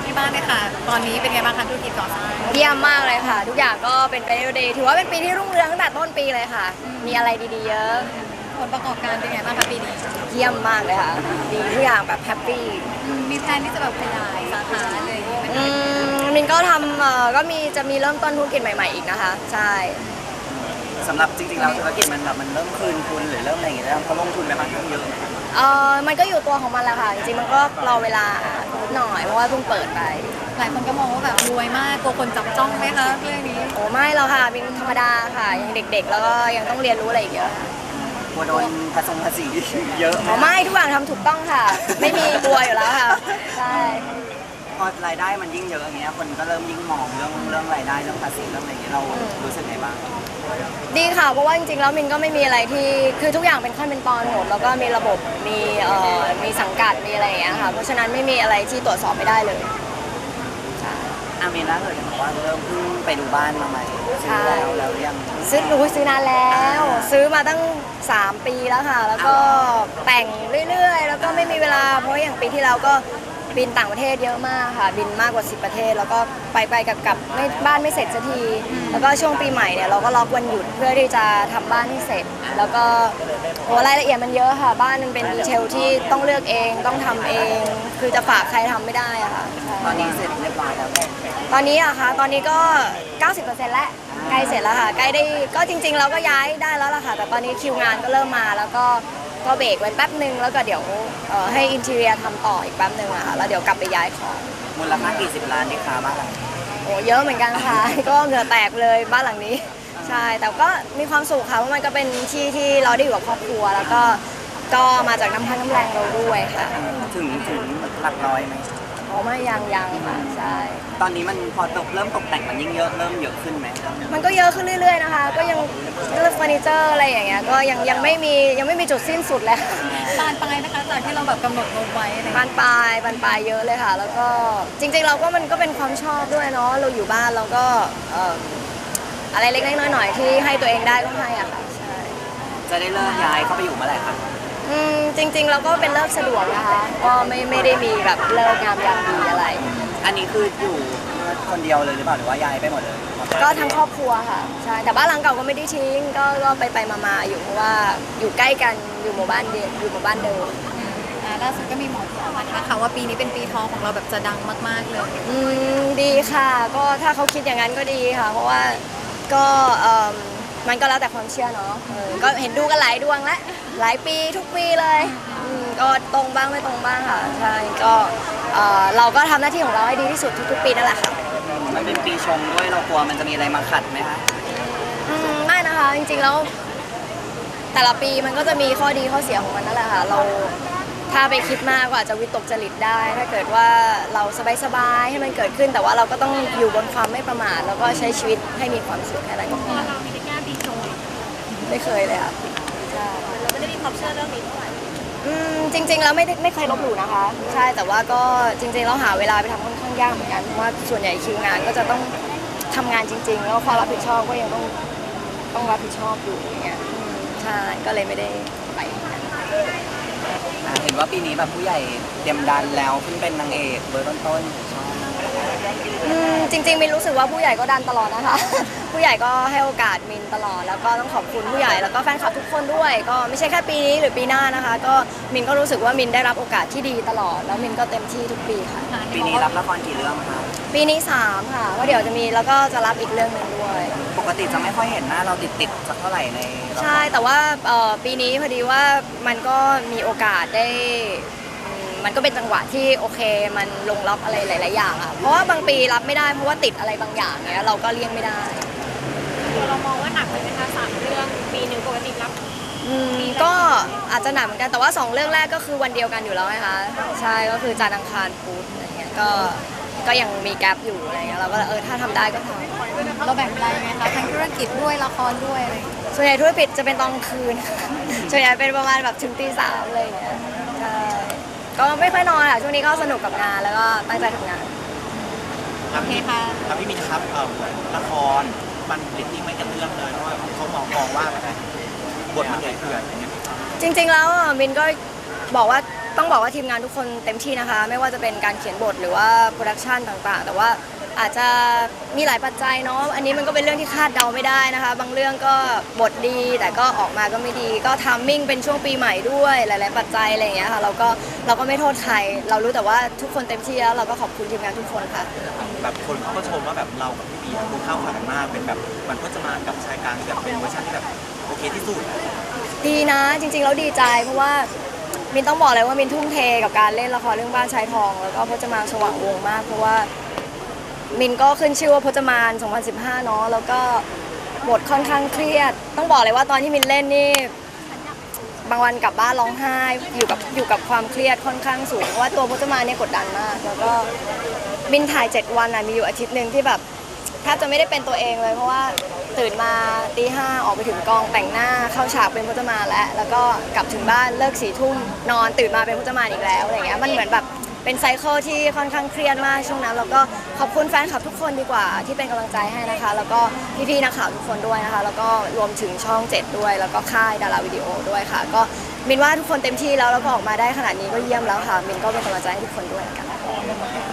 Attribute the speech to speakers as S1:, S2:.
S1: ที่บ้านเลยค่ะตอนนี้เป็นไงบ้างคะธุรกิจก่อสร้าง
S2: เยี่ยมมากเลยค่ะทุกอย่างก็เป็นไปได้ดีถือว่าเป็นปีที่รุ่งเรืองตั้งแต่ต้นปีเลยค่ะมีอะไรดีๆเยอะ
S1: ผลประกอบการเป็นไงบ้างคะปีนี้
S2: เยี่ยมมากเลยค่ะดีทุกอย่างแบบแฮปปี้
S1: มีแพลนที่จะแบบขยายสาขาเลยไหมคะ
S2: มินก็ทำก็จะมีเริ่มต้นธุรกิจใหม่ๆอีกนะคะใช่
S3: สำหรับจริงๆแล้วธุรกิจมันแบบมันเริ่มคืนทุนหรือเริ่มอะไรอย่างเงี้ยแล้วเขาลงทุนไปค่อนข้างเยอะนะครับ
S2: มันก็อยู่ตัวของมันแหละค่ะจริงๆมันก็รอเวลาหน่อยเพราะว่าเพิ่งเปิดไป
S1: หลายคนก็มองว่าแบบรวยมากกลัวคนจับจ้องไหมคะเรื่องนี้
S2: โอ้ไม่หรอกค่ะเป็นธรรมดาค่ะยังเด็กๆแล้วก็ยังต้องเรียนรู้อะไรอีกเยอะ
S3: กลัวโดนภาษีเยอะ
S2: ไม่ทุกอย่างทำถูกต้องค่ะไม่มีกลัวอยู่แล้วค่ะใช่
S3: พอรายได้มันยิ่งเยอะอย่างเงี้ยคนก็เริ่มยิ่งมองเรื่องรายได้เรื่องภาษีเรื่องอะไรอย่างเงี้ยเรารู้สึกไงบ้าง
S2: ดีค่ะเพราะว่าจริงๆแล้วมินก็ไม่มีอะไรที่คือทุกอย่างเป็นขั้นเป็นตอนหมดแล้วก็มีระบบมีสังกัดมีอะไรอย่างเงี้ยค่ะเพราะฉะนั้นไม่มีอะไรที่ตรวจสอบไม่ได้เลย
S3: อามีนล่าสุดเห็นบอกว่าเริ่มเพิ่งไปดูบ้านมาใหม่ซื้อแล้วยัง
S2: ซื้อนานแล้วซื้อมาตั้ง3 ปีแล้วค่ะแล้วก็แต่งเรื่อยๆแล้วก็ไม่มีเวลาเพราะอย่างปีที่แล้วก็บินต่างประเทศเยอะมากค่ะบินมากกว่า10 ประเทศแล้วก็ไปกับไม่บ้านไม่เสร็จสักทีแล้วก็ช่วงปีใหม่เนี่ยเราก็ล็อกวันหยุดเพื่อที่จะทำบ้านให้เสร็จแล้วก็โหรายละเอียดมันเยอะค่ะบ้านมันเป็นดีเทลที่ต้องเลือกเองต้องทำเองคือจะฝากใครทำไม่ได้อะค่ะ
S3: ตอนนี้เสร็จเรียบร้อยแล้ว
S2: ตอนนี้อะคะตอนนี้ก็ 90%แล้วใกล้เสร็จแล้วค่ะใกล้ได้ก็จริงๆเราก็ย้ายได้แล้วล่ะค่ะแต่ตอนนี้คิวงานก็เริ่มมาแล้วก็เบรกไว้แป๊บนึงแล้วก็เดี๋ยวให้อินทีเรียทำต่ออีกแป๊บนึงอะค่ะแล้วเดี๋ยวกลับไปย้ายของ
S3: มูลค่ากี่10 ล้านนี่คะบ้านหลัง
S2: โอ้เยอะเหมือนกันค่ะ ก็เหงื่อแตกเลยบ้านหลังนี้ใช่แต่ก็มีความสุขค่ะเพราะมันก็เป็นที่เราได้อยู่กับครอบครัวแล้วก็มาจากน้ำพักน้ำแรงเราด้วยค่ะ
S3: ถึงหลักร้อยไหม
S2: อ๋อไม่ยังค่ะใช่
S3: ตอนนี้มันพอเริ่มตกแต่งมันยิ่งเยอะเริ่มเยอะขึ้นไหม
S2: มันก็เยอะขึ้นเรื่อยๆนะคะก็ยังเรื่องเฟอร์นิเจอร์อะไรอย่างเงี้ยก็ยังไม่มีจุดสิ้นสุดเลย
S1: บานปลายนะคะจากที่เราแบบกำหนดงบไว้
S2: บานปลายเยอะเลยค่ะแล้วก็จริงๆเราก็มันก็เป็นความชอบด้วยเนาะเราอยู่บ้านเราก็อะไรเล็กๆน้อยๆที่ให้ตัวเองได้ก็ให้อ่ะค่ะใช่
S3: จะได้เลิกย้ายเข้าไปอยู่เมื่อไหร่ครับ
S2: จริงๆเราก็เป็นเลิกสะดวกนะคะก็ไม่ได้มีแบบเลิกงามยามดีอะไร
S3: อันนี้คืออยู่คนเดียวเลยหรือเปล่าหรือว่าย้ายไปหมดเลย
S2: ก็ทั้งครอบครัวค่ะใช่แต่บ้านหลังเก่าก็ไม่ได้ทิ้งก็ไปมาอยู่เพราะว่าอยู่ใกล้กันอยู่หมู่บ้านเดิม
S1: ล่าสุดก็มีหมอที่ออกมาทักค่ะว่าปีนี้เป็นปีทองของเราแบบจะดังมากๆเลย
S2: ดีค่ะก็ถ้าเขาคิดอย่างนั้นก็ดีค่ะเพราะว่าก็มันก็แล้วแต่ความเชื่อเนาะก็เห็นดูกันหลายดวงแล้วหลายปีทุกปีเลยก็ตรงบ้างไม่ตรงบ้างค่ะใช่ก็เราก็ทำหน้าที่ของเราให้ดีที่สุดทุกๆปีนั่นแหละค่ะ
S3: มันเป็นปีชงด้วยเรากลัวมันจะมีอะไรมาขัดไหมคะ
S2: ไม่นะคะจริงๆแล้วแต่ละปีมันก็จะมีข้อดีข้อเสียของมันนั่นแหละค่ะเราถ้าไปคิดมากก็อาจจะวิตกจริตได้ถ้าเกิดว่าเราสบายๆให้มันเกิดขึ้นแต่ว่าเราก็ต้องอยู่บนความไม่ประมาทแล้วก็ใช้ชีวิตให้มีความสุขแค่นั้นก็พอ
S1: เรามีแค่ปีชง
S2: ไม่เคยเลยค่ะใช่
S1: เราไม่ได้มีความเชื่อเรื่องนี้เท่าไหร่
S2: จริงๆแล้วไม่เคยลบหลู่นะคะใช่แต่ว่าก็จริงๆเราหาเวลาไปทำค่อนข้างยากเหมือนกันเพราะว่าส่วนใหญ่คิวงานก็จะต้องทำงานจริงๆแล้วความรับผิดชอบก็ยังต้องรับผิดชอบอยู่อย่างเงี้ยใช่ก็เลยไม่ได้ไป
S3: เห็นว่าปีนี้แบบผู้ใหญ่เตรียมดันแล้วขึ้นเป็นนางเอกเบอร์ต้นๆช่อง
S2: จริงๆมินรู้สึกว่าผู้ใหญ่ก็ดันตลอดนะคะผู้ใหญ่ก็ให้โอกาสมินตลอดแล้วก็ต้องขอบคุณผู้ใหญ่แล้วก็แฟนคลับทุกคนด้วยก็ไม่ใช่แค่ปีนี้หรือปีหน้านะคะก็มินก็รู้สึกว่ามินได้รับโอกาสที่ดีตลอดแล้วมินก็เต็มที่ทุกปีค่ะ
S3: ปีนี้รับละครกี่เรื่องคะ
S2: ปีนี้3ค่ะว่าเดี๋ยวจะมีแล้วก็จะรับอีกเรื่องนึงด้วย
S3: ปกติจะไม่ค่อยเห็นหน้าเราติดสักเท่าไหร่ใน
S2: ใช่แต่ว่าปีนี้พอดีว่ามันก็มีโอกาสได้มันก็เป็นจังหวะที่โอเคมันลงล็อกอะไรหลายๆอย่างอ่ะเพราะว่าบางปีรับไม่ได้เพราะว่าติดอะไรบางอย่างเนี้ยเราก็เลี่ยงไม่ได้
S1: เรามองว่าหนักเลยนะคะ3 เรื่องปีนึงปกติรับ
S2: ก็อาจจะหนักเหมือนกันแต่ว่า2 เรื่องแรกก็คือวันเดียวกันอยู่แล้วไงคะใช่ก็คือจันทร์อังคารพุธอะไรเงี้ยก็ยังมีแกลบอยู่อะไรเงี้ยเราก็ถ้าทำได้ก็ทำ
S1: เราแบ่งเวลายังไงคะทั้งธุรกิจด้วยละครด้วยอะไร
S2: ส่วนใหญ่ธุรกิจจะเป็นตอนคืนส่วนใหญ่เป็นประมาณแบบถึงตี 3อะไรเงี้ยใช่ก็ไม่ค่อยนอนค่ะช่วงนี้ก็สนุกกับงานแล้วก็ตั้งใจทำงาน
S1: โอเคค่ะ
S4: พี่มินครับละครมันเรตติ้งไม่กระเตื้องเลยเพราะว่าเขามองว่าบทมันใหญ่เกินอย่างเงี้ย
S2: จริงๆแล้วมินก็บอกว่าต้องบอกว่าทีมงานทุกคนเต็มที่นะคะ ไม่ว่าจะเป็นการเขียนบทหรือว่าโปรดักชันต่างๆ แต่ว่าอาจจะมีหลายปัจจัยเนาะอันนี้มันก็เป็นเรื่องที่คาดเดาไม่ได้นะคะ บางเรื่องก็บทดีแต่ก็ออกมาก็ไม่ดี ก็ทัมมิ่งเป็นช่วงปีใหม่ด้วยหลายๆปัจจัยอะไรอย่างเงี้ยค่ะเราก็ไม่โทษใคร เรารู้แต่ว่าทุกคนเต็มที่แล้วเราก็ขอบคุณทีมงานทุกคนค่ะ
S4: แบบคนเขาก็ชมว่าแบบเรากับพี่บีคือเข้าขากันมากเป็นแบบมันก็จะมากับชายกลางที่แบบเป็นเวอร์ชันที่แบบโอเคที่สุด
S2: ดีนะจริงๆแล้วดีใจเพราะว่ามินต้องบอกเลยว่ามินทุ่มเทกับการเล่นละครเรื่องบ้านชายทอง แล้วก็พจมานสว่างวงมากเพราะว่ามินก็ขึ้นชื่อว่าพจมาน 2015 เนาะแล้วก็บทค่อนข้างเครียด ต้องบอกเลยว่าตอนที่มินเล่นนี่บางวันกลับบ้านร้องไห้อยู่กับความเครียดค่อนข้างสูงเพราะว่าตัวพจมานเนี่ยกดดันมากแล้วก็มินถ่าย7 วันมีอยู่อาทิตย์หนึ่งที่แบบแทบจะไม่ได้เป็นตัวเองเลยเพราะว่าตื่นมาตี 5ออกไปถึงกองแต่งหน้าเข้าฉากเป็นพจมานแล้วก็กลับถึงบ้านเลิก4 ทุ่มนอนตื่นมาเป็นพจมานอีกแล้วอะไรเงี้ยมันเหมือนแบบเป็นไซเคิลที่ค่อนข้างเครียดมากช่วงนั้นแล้วก็ขอบคุณแฟนคลับทุกคนดีกว่าที่เป็นกำลังใจให้นะคะแล้วก็พี่ๆนักข่าวทุกคนด้วยนะคะแล้วก็รวมถึงช่อง 7ด้วยแล้วก็ค่ายดาราวิดีโอด้วยค่ะก็มินว่าทุกคนเต็มที่แล้วก็ออกมาได้ขนาดนี้ก็เยี่ยมแล้วค่ะมินก็เป็นกำลังใจให้ทุกคนด้วยละกัน